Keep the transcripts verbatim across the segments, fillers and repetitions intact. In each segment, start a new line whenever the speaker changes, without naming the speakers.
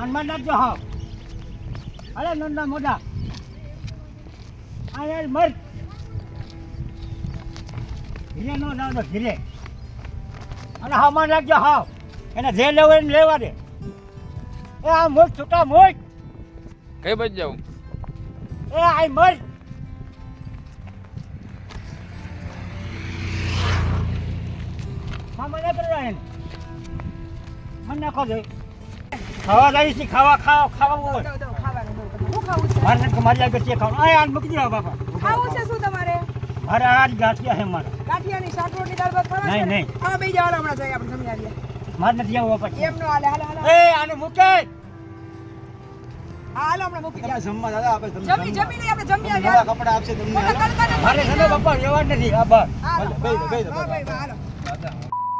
હનુમાન નાખજો હા અરે નંદા મોઢા આ યાર મર ધીરે નો ના ધીરે અને હનુમાન નાખજો હા એને જે લેવું એને લેવા દે એ આ મોટ છૂટા મોટ
કઈ બાજુ જાઉં
એ આઈ મર હા મને કરવા એને મને નાખો દે ખાવા જાય છે ખાવા ખાવા ખાવા હોય મારે નથી મારી આગળ છે ખાવાનું આ આન મૂકી દેવા બાપા
ખાવું છે શું તમારે
અરે આ ગાંઠિયા છે મારા
ગાંઠિયાની શાક રોટલી દાળ ભાત ખાવા
નહીં નહીં
હા બે જાવ હમણાં જઈએ આપણે જમી આવીએ
મારે નથી આવવું પછી
એમ નો હાલે હાલે હાલે
એ આને મૂકે
હા હાલો હમણાં મૂકી
આપણે જમવા દાદા આપણે
જમી જમી લઈ આપણે જમી
નવા
આવીએ
કપડા આપશે તમને હાલો.
મારે છે ને બાપા રહેવા જ નથી આ બસ
હાલો
બેહી દો, બેહી દો,
હા, ભાઈ, હાલો
દાદા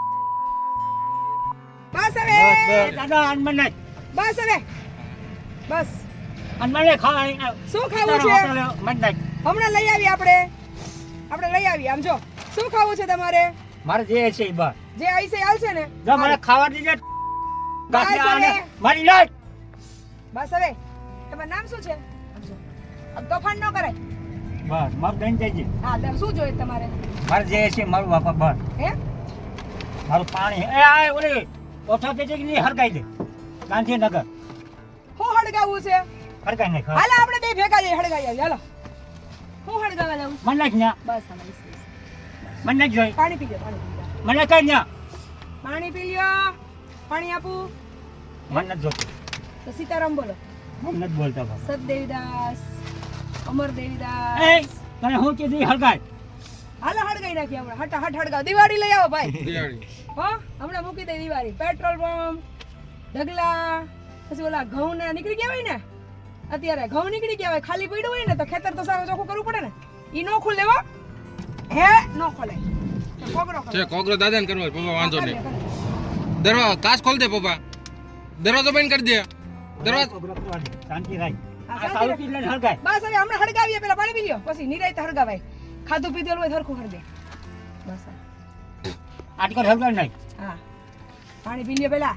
બસ
બસ
હવે
બસ દાદા આનમન નહીં
બસ હવે બસ
આનમન નહીં ખાવા
શું ખાવું છે
મન નહીં
હમણાં લઈ આવીએ આપણે આપણે લઈ આવીએ આમ જો શું ખાવું છે તમારે
મારે જે છે એ બસ
જે આઈસે હાલશે ને
જો મને ખાવા દીજે ગાંઠિયા આને
હવે.
મારી નાખ
બસ હવે તમારું નામ શું છે આમ જો. આમ તોફાન ન કરાય
બસ મારું દઈને જઈજે
હા તો શું જોઈએ તમારે
મારે જે છે મારું બાપા બસ
હે
મારું પાણી એ આ ઓલી ઓછા તે છે કે નહીં હરગાઈ દે ગાંધીનગર
હું હળગાવું છે
હરગાઈ નહીં ખા
હાલો આપણે બે ભેગા જઈએ હળગાઈ આવીએ હાલો હું હળગાવા જાઉં
મને નાખ ન્યા
બસ હાલો, બસ, બસ.
મને નાખ જોઈ
પાણી પી લો પાણી પી લો
મને કઈ ન્યા
પાણી પી લ્યો પાણી આપું
મને નથી જોતું
તો સીતારામ બોલો
મને નથી બોલતા બાપા
સતદેવીદાસ અમર
એ
દેવીદાસ
તને હું કીધું હરગાઈ
હાલો હળગાઈ નાખીએ હમણાં હટ હટ હળગાવ દિવાળી લઈ આવો ભાઈ
દિવાળી
હો હમણાં મૂકી દે દિવાળી પેટ્રોલ પંપ ઢગલા પછી ઓલા ઘઉં ને નીકળી ગયા હોય ને અત્યારે ઘઉં નીકળી ગયા હોય ખાલી પડ્યું હોય ને તો ખેતર તો સારું ચોખ્ખું કરવું પડે ને ઈ નો ખુલે હો હે નો ખોલે તો કોગરો
છે
કરે.
કોકરો દાદાને કરવો હોય, પપ્પા વાંધો
કરે,
નહીં
કરે.
દરવાજો કાચ ખોલ દે પપ્પા દરવાજો બંધ કરી દે દરવાજો
શાંતિ રાખ
હા,
આ
શાંતિ
તારું
રાખ.
પીલે હરગાઈ
બસ હવે હમણાં હળગાવીએ પેલા પાણી પી લ્યો પછી નિરાયત હળગાવાય ખાધું પીધેલું હોય સરખું હળગે બસ હા.
આજકાલ હરગાઈ નહીં
હા પાણી પી લ્યો પેલા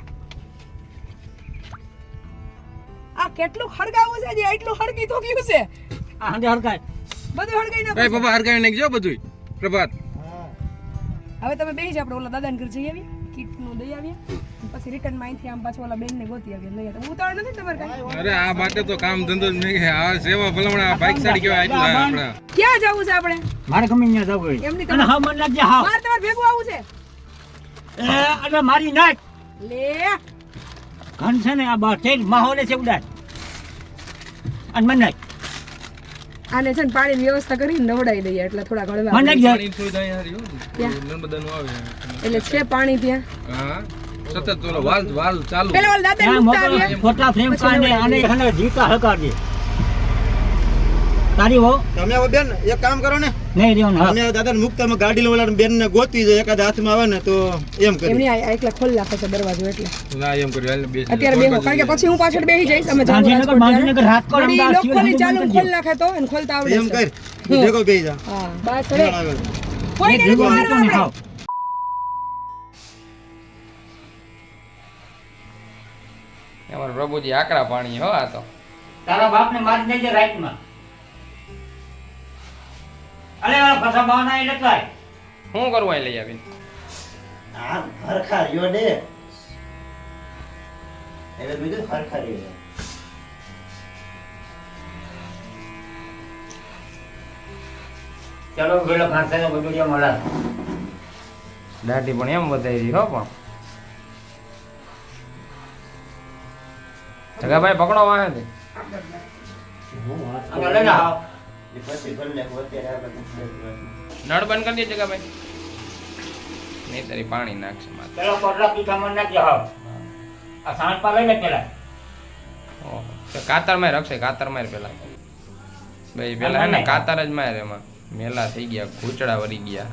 આ કેટલું હળગાવું છે જે એટલું હળગી તો ગયું છે
આ હંડે હરગાઈ
બધું હળગાઈ
એ
નાખો
પપ્પા હરગાવી નાખજો બધું પ્રભાત
હવે તમે બેસી જાઓ આપણે ઓલા દાદાને ઘર જઈ આવીએ કીટ નું દઈ આવીએ પછી રિટર્ન માં અહીંથી આમ પાછું ઓલા બેન ને ગોતી આવીએ લઈ આવીએ ઉતાવળ નથી ને તમારે કાંઈ
અરે આ માટે તો કામ ધંધો જ નહીં આ સેવા ભલામણા બાઇક સાડી કેવાય એટલા આપણા
ક્યાં જવું છે આપણે
મારે ગમે ત્યાં જવું હોય
એમની
અને હા મને લાગજે હા
મારે તમારે ભેગું આવું છે
એ અરે મારી નાખ
લે
ઘન છે ને આ બસ છે માહોલે છે ઉડાય અને મને નાખ
આને છે ને પાણીની વ્યવસ્થા કરીને નવડાવી દઈએ એટલે થોડા ઘડવા
મને નાખ
પાણી થોડી દહીં હારી હો નર્મદાનું આવે
એટલે છે પાણી ત્યાં
હા સતત ઓલો વાલ વાલ ચાલુ
પેલા ઓલા દાદા
ત્યાં
મુકતા
મોકલો
આવીએ
ફોટા ફ્રેમ કાઢે અને હને જીતા હકારજે તારી હો
તમે હવે બેન એક કામ કરો ને
નહીં રેવાનું હા
અમે દાદાને મુકતા માં ગાડી લેવાલા બેન ને ગોતવી જાય એકાદ હાથમાં આવે ને તો એમ કરી
એમની આ એકલા ખોલ નાખે છે દરવાજો એટલે
ના એમ કર્યું હાલ ને બેસી
અત્યારે બેહો કારણ કે પછી હું પાછળ બેસી જઈશ અમે જાવું
ગાંધીનગર
રાજકોટ
ગાંધીનગર રાજકોટ
વળી
અમદાવાદ
લોક ખોલી
સિવાય
ચાલુ
બધું
ખોલ નાખે તો એને ખોલતા આવડે
એમ
છે
કર ભેગો બેહી જા
હા બસ હવે
આગળ
કોઈ
એ
ને
ભેગો
મારવા
નીકળો ને
આપણે.
હાવ.
અમારા પ્રભુજી આકરા પાણી હો આ તો
તારા બાપને મારી દેજે રાઈટમાં અલે આ ફસા બાવના એટલે કાય
શું કરવું અહીં લઈ આવીને
આ હરખા રહ્યો ને એટલે બીજું હરખા રહ્યો
ચલો વેલો ખાસે ને બધું મળે
દાઢી પણ એમ વધારી હો પણ જગાભાઈ પકડો વાહે
અને લઈ જા
એ પછી ભલે અત્યારે
નળ બંધ કરી દે જગાભાઈ નહીં તારી પાણી નાખશે માથે
ચલો કોટલા પીઠા મન નાખજો હાવ આ સાંજ પા લઈ લે પેલા
ઓહો તો કાતર માર રખશે કાતર માર પેલા ભાઈ પેલા હે ને કાતર જ માર એમાં મેલા થઈ ગયા ઘૂંચડા વળી ગયા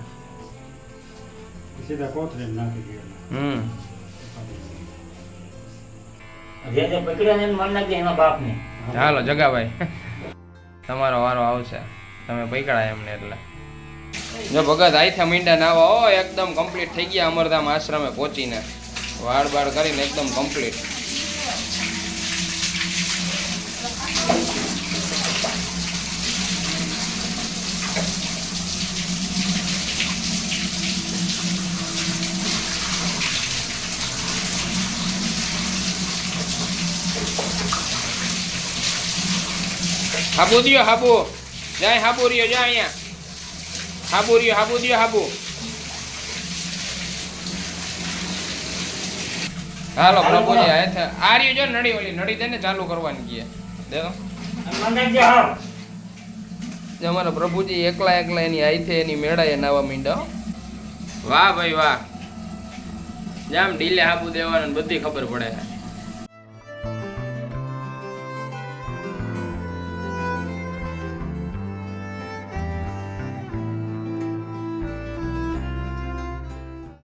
સીધા કોથરે નાખી દે
હમ
જે જે પકડ્યા ને મન નાખજે એના બાપને
ચાલો જગાભાઈ તમારો વારો આવશે તમે પૈકડા એમને એટલે જો ભગત આઈથા મીંડા નાવા ઓ એકદમ કમ્પ્લીટ થઈ ગયા અમરધામ આશ્રમે પહોંચીને વાળ બાળ કરીને એકદમ કમ્પ્લીટ હાબુ દિયો હાબુ જાય હાબુ રહ્યો જા અહીંયા હાબુ રહ્યો હાબુ દિયો હાબુ હાલો પ્રભુજી આ છે આ રહ્યો જો નડી ઓલી નડી દે ને ચાલુ કરવાની કીએ દે તો
મને જે હા
જે અમારા પ્રભુજી એકલા એકલા એની આઈથે એની મેળાએ નાવા મીંડા વાહ ભાઈ વાહ જામ ઢીલે હાબુ દેવાનું બધી ખબર પડે